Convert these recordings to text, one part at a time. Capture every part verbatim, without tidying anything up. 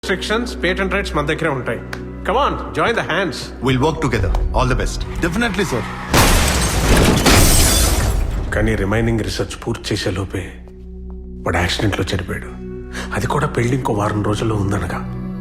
Restrictions, patent rights మన దగ్గరే ఉంటాయి. Come on, join the hands. We'll work together. All the best. Definitely sir. కానీ remaining research పూర్తి చేసే లోపే వాడు యాక్సిడెంట్లో చనిపోయాడు. అది కూడా పెళ్లి ఇంకో వారం రోజుల్లో ఉందనగా.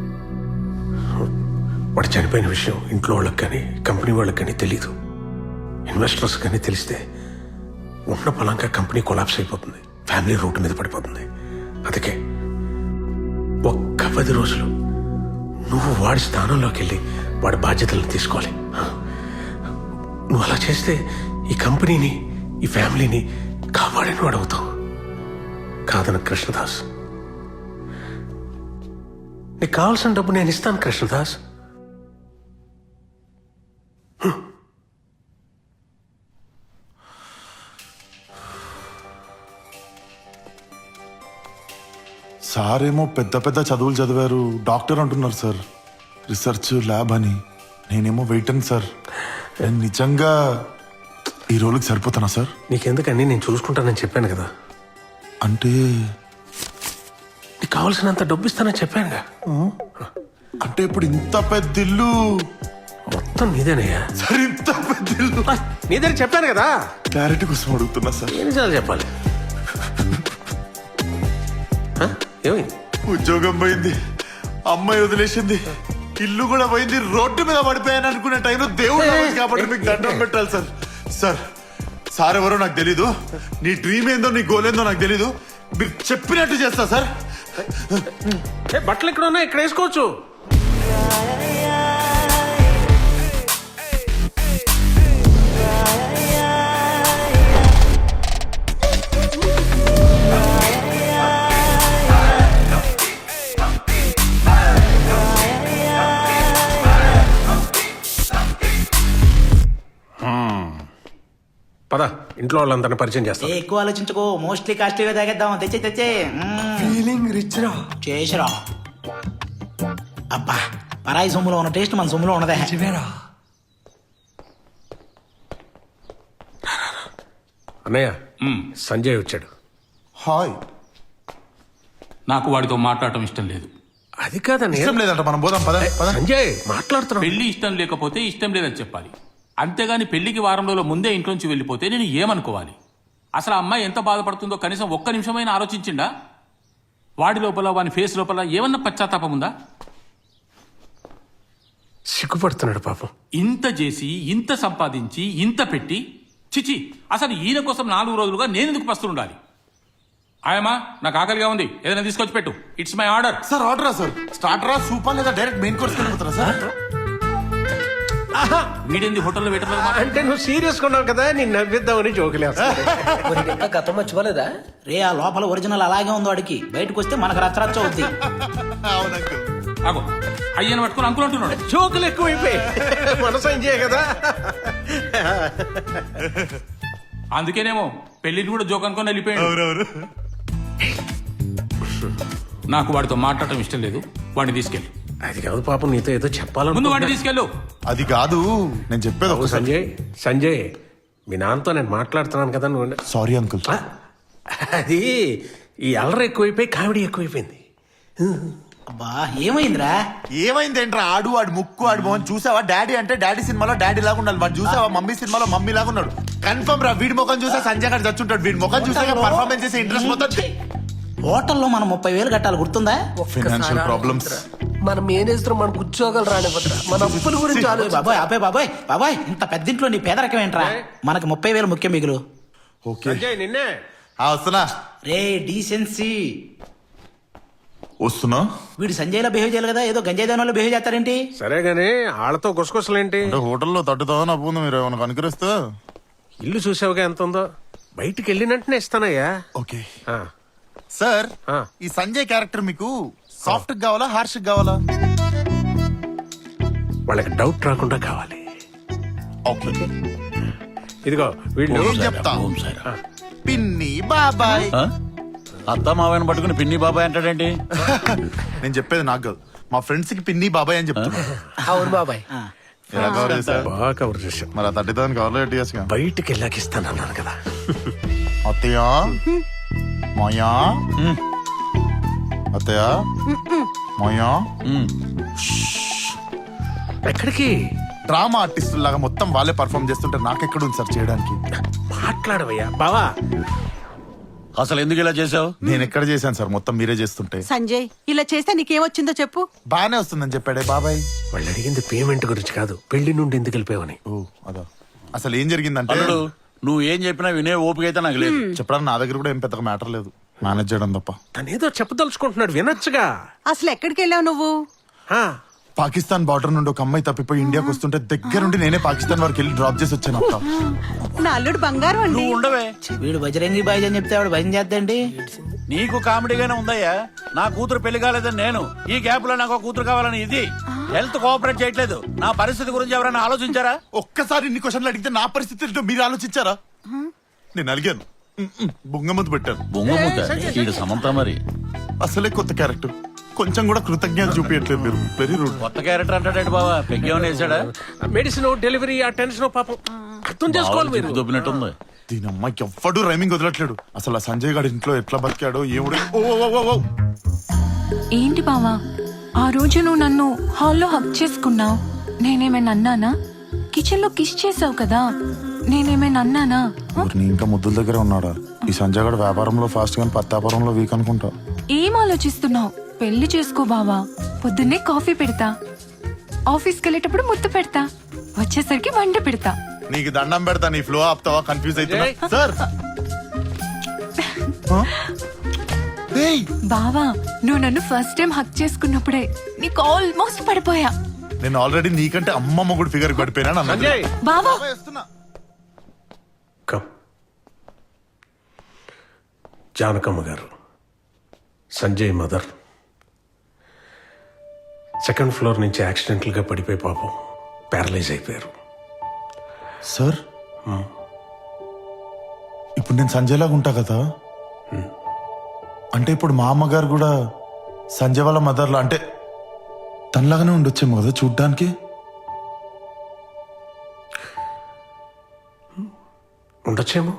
వాడు చనిపోయిన విషయం ఇంట్లో వాళ్ళకి కానీ కంపెనీ వాళ్ళకి కానీ తెలీదు. ఇన్వెస్టర్స్ కానీ తెలిస్తే ఉన్న పొలంగా కంపెనీ కొలాప్స్ అయిపోతుంది, ఫ్యామిలీ రూట్ మీద పడిపోతుంది. అందుకే ఒక్క పది రోజులు నువ్వు వాడి స్థానంలోకి వెళ్ళి వాడి బాధ్యతలను తీసుకోవాలి. నువ్వు అలా చేస్తే ఈ కంపెనీని, ఈ ఫ్యామిలీని కాపాడిన వాడు అవుతావు. కాదన కృష్ణదాస్, నీకు కావాల్సిన డబ్బు నేను ఇస్తాను కృష్ణదాస్. సార్ ఏమో పెద్ద పెద్ద చదువులు చదివారు, డాక్టర్ అంటున్నారు సార్, రీసెర్చ్ ల్యాబ్ అని. నేనేమో వెయిటన్ సార్. నేను నిజంగా ఈ రోజుకి సరిపోతానా సార్? నీకెందుకని, నేను చూసుకుంటానని చెప్పాను కదా. అంటే నీకు కావాల్సినంత డబ్బు ఇస్తానని చెప్పానుగా. అంటే ఇప్పుడు ఇంత పెద్ద ఇల్లు మొత్తం నీదేనయ్యా. సార్, ఇంత పెద్ద ఇల్లు నీదని చెప్పాను కదా. క్లారిటీ కోసం అడుగుతున్నా సార్. ఎన్నిసార్లు చెప్పాలి? ఏమైంది? ఉద్యోగం పోయింది, అమ్మాయి వదిలేసింది, ఇల్లు కూడా పోయింది, రోడ్డు మీద పడిపోయాను అనుకునే టైంలో దేవుడు రావచ్చు కాబట్టి మీకు దండం పెట్టాలి సార్. సార్ సార్ ఎవరో నాకు తెలీదు, నీ డ్రీమ్ ఏందో నీ గోల్ ఏందో నాకు తెలీదు, మీరు చెప్పినట్టు చేస్తా సార్. బట్టలు ఇక్కడ ఉన్నాయి, ఇక్కడ వేసుకోవచ్చు. పద, ఇంట్లో వాళ్ళందరినీ పరిచయం చేస్తా. ఎక్కువ ఆలోచించుకో, మోస్ట్లీ కాస్ట్లీగా తాగేద్దాం. తెచ్చే తెచ్చే ఫీలింగ్ రిచ్ రా. చేసిరా. అబ్బా, పరాయి సొమ్ములో ఉన్న టేస్ట్ మన సొమ్ములో ఉన్నదే. అన్నయ్య, సంజయ్ వచ్చాడు. హాయ్. నాకు వాడితో మాట్లాడటం ఇష్టం లేదు. అది కాదన్నయ్య. ఇష్టం లేదంట, మనం పోదాం పద. పద. సంజయ్ మాట్లాడుతున్నాడు. పెళ్లి ఇష్టం లేకపోతే ఇష్టం లేదని చెప్పాలి. అంతేగాని పెళ్లికి వారం రోజుల ముందే ఇంట్లోంచి వెళ్ళిపోతే నేను ఏమనుకోవాలి? అసలు ఆ అమ్మాయి ఎంత బాధపడుతుందో కనీసం ఒక్క నిమిషమైనా ఆలోచించిండా? వాడి లోపల, వాని ఫేస్ లోపల ఏమన్నా పశ్చాత్తాపం ఉందా? సిగ్గుపడుతున్నాడు పాపం. ఇంత చేసి, ఇంత సంపాదించి, ఇంత పెట్టి, చిచి, అసలు ఈయన కోసం నాలుగు రోజులుగా నేను ఎందుకు పస్తుండాలి? ఆయమ్మా, నాకు ఆకలిగా ఉంది, ఏదైనా తీసుకొచ్చి పెట్టు. It's my order. సార్ ఆర్డరా సార్? స్టార్టరా, సూపర్ లేదా డైరెక్ట్ మెయిన్ కోర్స్ వెళ్ళిపోతారా సార్? వీడింది హోటల్లో వెయిటర్ అంటే నువ్వు సీరియస్ ఉన్నావు కదా, నేను నవ్విద్దామని జోకులేస్తా. గతం మర్చిపోలేదా? రే, ఆ లోపల ఒరిజినల్ అలాగే ఉందో అడిగి బయటకు వస్తే మనకు రచ్చరచ్చ అవుద్ది. ఆగో, అయ్యని పట్టుకుని అంకులు అంటున్నాడు. జోకులు ఎక్కువైపోయి మన సంజయ్ కదా. అందుకేనేమో పెళ్లిని కూడా జోక్ అనుకొని వెళ్ళిపోయాడు. నాకు వాడితో మాట్లాడటం ఇష్టం లేదు, వాడిని తీసుకెళ్ళి. అది కాదు పాపం, నీతో ఏదో చెప్పాలను. ముందు వాడిని తీసుకెళ్ళు. అది కాదు, నేను చెప్పేది ఒక సంజయ్. సంజయ్, మీ నాన్నతో నేను మాట్లాడుతున్నాను కదా. నువ్వు సారీ అంకుల్. అది ఈ అల్లరి ఎక్కువైపోయి కామెడీ ఎక్కువైపోయింది. అబ్బా, ఏమైందిరా? ఏమైందేంట్రా? ఆడు ఆడు ముక్కు ఆడు మోహన్ చూసావా? డాడీ అంటే డాడీ సినిమాలో డాడీ లాగా ఉండాలి. వాడు చూసావా? మమ్మీ సినిమాలో మమ్మీ లాగా ఉన్నాడు. కన్ఫర్మ్ రా, వీడి ముఖం చూసా సంజయ్ గారు చచ్చుంటాడు. వీడి ముఖం చూసా పర్ఫార్మెన్స్ చేసే ఇంట్రెస్ట్ మొత్తం. హోటల్లో మనం ముప్పై వేలు కట్టాలి, గుర్తుందా? Financial problems. మనం మేనేజర్ మనకు ఉద్యోగాలు రానివ్వద్రా. మన అప్పుల గురించి ఆలోచి. బాబాయ్, అబ్బాయి, బాబాయ్ బాబాయ్, ఇంత పెద్దింట్లో నీ పేదరికం ఏంట్రా? మనకి ముప్పై వేలు ముఖ్యం మిగులు. ఓకే సంజయ్, నిన్నే వస్తున్నా. రే, డీసెన్సీ. వస్తున్నా. వీడు సంజయ్లో బిహేవ్ చేయాలి కదా, ఏదో గంజాయి దానిలో బిహేవ్ చేస్తారేంటి? సరే గానీ వాళ్ళతో గుసగుసలేంటి? హోటల్లో తట్టుతావని అప్పుడు మీరు ఏమైనా కనుకరిస్తా. ఇల్లు చూసావుగా ఎంత ఉందో, బయటికి వెళ్ళినట్టునే ఇస్తానయ్యా. ఓకే ఆ, సార్, ఆ. ఈ సంజయ్ క్యారెక్టర్ మీకు సాఫ్ట్ కావాలా, హార్ష్ కావాలా? వాళ్ళకి డౌట్ రాకుండా కావాలి. ఓకే, ఇదిగో వీళ్ళు ఏం చెప్తా. పిన్ని బాబాయ్. అత్త మావయ్యను పట్టుకుని పిన్ని బాబాయ్ అంటాడేంటి? నేను చెప్పేది నాకు కాదు, మా ఫ్రెండ్స్ కి పిన్ని బాబాయ్ అని చెప్తున్నా. అవును బాబాయ్. ఎలా కవర్ చేశారు? బాగా కవర్ చేశాం. మరి ఆ థర్టీ థౌసండ్ కవర్లో ఎట్టి బయటికి వెళ్ళాక ఇస్తానన్నాను కదా. అత్తయ్య, మాయా, అత్తయ్య మాయా ఎక్కడికి డ్రామా ఆర్టిస్టుల లాగా మొత్తం వాళ్ళే పర్ఫామ్ చేస్తుంటే నాకెక్కడ ఉంది సార్ చేయడానికి. మాట్లాడవయ్యా బావా. అసలు ఎందుకు ఇలా చేసావు? నేను ఎక్కడ చేశాను సార్, మొత్తం మీరే చేస్తుంటే. సంజయ్ ఇలా చేస్తే నీకేమొచ్చిందో చెప్పు. బానే వస్తుందని చెప్పాడే బాబాయ్. వాళ్ళు అడిగింది పేమెంట్ గురించి కాదు, పెళ్లి నుండి ఎందుకు వెళ్ళిపోయావని. ఓ అదా. అసలు ఏం జరిగిందంటే అల్లుడు నువ్వు ఏం చెప్పినా వినే ఓపిక అయితే నాకు లేదు. చెప్పడానికి నా దగ్గర కూడా ఏం పెద్దగా మ్యాటర్ లేదు, మేనేజ్ చేయడం తప్ప. తను ఏదో చెప్పదలుచుకుంటున్నాడు, వినొచ్చుగా. అసలు ఎక్కడికి వెళ్ళావు నువ్వు? ఆ, పాకిస్తాన్ బార్డర్ నుండి ఒక అమ్మాయి తప్పిపోయి ఇండియాకి వస్తుంటే దగ్గరుండి నేనే పాకిస్తాన్ వరకు వెళ్ళి డ్రాప్ చేసి వచ్చాను అక్క. నా అల్లుడు బంగారం అండి. నువ్వు ఉండవే, వీడు బజరంగి బాయ్ అని చెప్తే ఆవిడ భయం చేద్దండి. నీకు కామెడీగానే ఉందయ్యా. నా కూతురు పెళ్లి కాలేదని నేను, ఈ గ్యాప్ లో నాకు ఒక కూతురు కావాలని ఇది. హెల్త్ కోఆపరేట్ చేయట్లేదు. నా పరిస్థితి గురించి ఎవరైనా ఆలోచించారా? ఒక్కసారి ఇన్ని క్వశ్చన్లు అడిగితే నా పరిస్థితి ఏంటో మీరు ఆలోచించారా? నేను అడిగాను, బొంగ ముందు పెట్టాను. బొంగ ముద్ద వీడు సమంత మరి. అసలే కొత్త క్యారెక్టర్, కొంచెం కూడా కృతజ్ఞత చూపించట్లేదు మీరు. Very rude. కొత్త క్యారెక్టర్ అంటాడు బావా, పెగ్గేమని వేసాడా? మెడిసిన్ డెలివరీ ఆ టెన్షన్ పాపం అర్థం చేసుకోవాలి మీరు. దొబ్బినట్టుంది. దీని అమ్మాయికి ఎవ్వడు రైమింగ్ వదలట్లేడు. అసలు ఆ సంజయ్ గారి ఇంట్లో ఎట్లా బతికాడో ఏముడు. ఓ ఓ, ఓ, ఓ. ఏంటి బావా ఆ రోజు నువ్వు నన్ను హాల్లో హక్ చేసుకున్నావు, నేనేమైనా అన్నానా? కిచెన్ లో కిస్ చేసావు కదా, నేనేమైనా అన్నానా? ఊరిని ఇంకా ముద్దుల దగ్గర ఉన్నాడా? ఈ సంజయ్ గారు వ్యాపారంలో ఫాస్ట్ గాని పత్తాపురంలో వీక్ అనుకుంటా. ఏం ఆలోచిస్తున్నావు? పెళ్లి చేసుకో బావా. పొద్దున్నే కాఫీ పెడతా, ఆఫీస్కి వెళ్ళేటప్పుడు ముద్దు పెడతా, వచ్చేసరికి వంట పెడతా. నీకు దండం పెడతా, నీ ఫ్లో ఆపుతావా? కన్ఫ్యూజ్ అవుతున్నా సార్. ఏయ్, బావా నువ్వు నన్ను ఫస్ట్ టైం హక్ చేసుకున్నప్పుడే నీకు ఆల్మోస్ట్ పడిపోయా. నేను ఆల్రెడీ నీకంటే అమ్మమ్మ కూడా ఫిగర్ పడిపోయినా. సంజయ్ బావా come. Janakamma garu, Sanjay mother second floor నుంచి యాక్సిడెంటల్ గా పడిపోయి పాపం ప్యారలైజ్ అయిపోయారు. సార్ ఇప్పుడు నేను సంజయ్ లాగా ఉంటా కదా, అంటే ఇప్పుడు మా అమ్మగారు కూడా సంజయ్ వాళ్ళ మదర్లా, అంటే తనలాగానే ఉండొచ్చేమో కదా చూడ్డానికి. ఉండొచ్చేమో.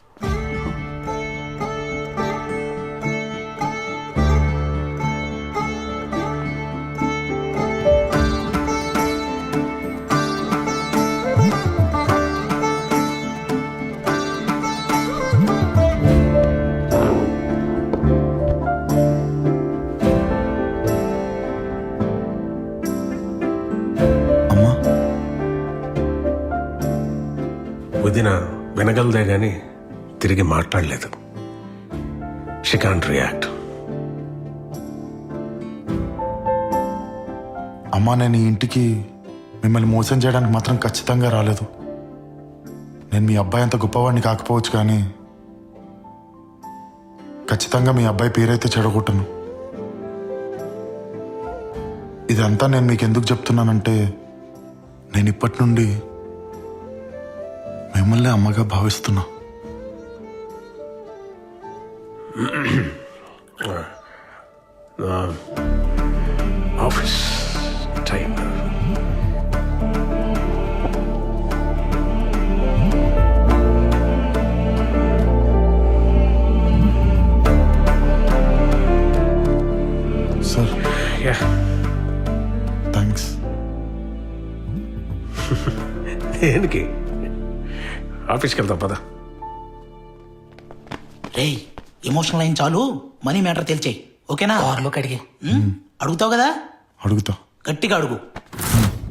అమ్మా వదిన వినగలదే గాని తిరిగి మాట్లాడలేదు. She can't react. అమ్మా నేను ఈ ఇంటికి మిమ్మల్ని మోసం చేయడానికి మాత్రం ఖచ్చితంగా రాలేదు. నేను మీ అబ్బాయి అంత గొప్పవాడిని కాకపోవచ్చు కానీ ఖచ్చితంగా మీ అబ్బాయి పేరైతే చెడగొట్టను. ఇదంతా నేను మీకు ఎందుకు చెప్తున్నానంటే నేను ఇప్పటి నుండి మిమ్మల్ని అమ్మగా భావిస్తున్నా. Office time. Sir yeah, thanks. దేనికి? ఆఫీస్కి వెళ్తాం పద. రేయ్ ఎమోషనల్ అయిన చాలు, మనీ మ్యాటర్ తెలిచేయి. ఓకేనా? కార్లో కడిగి ఉమ్, అడుగుతావు కదా, అడుగుతా. గట్టిగా అడుగు.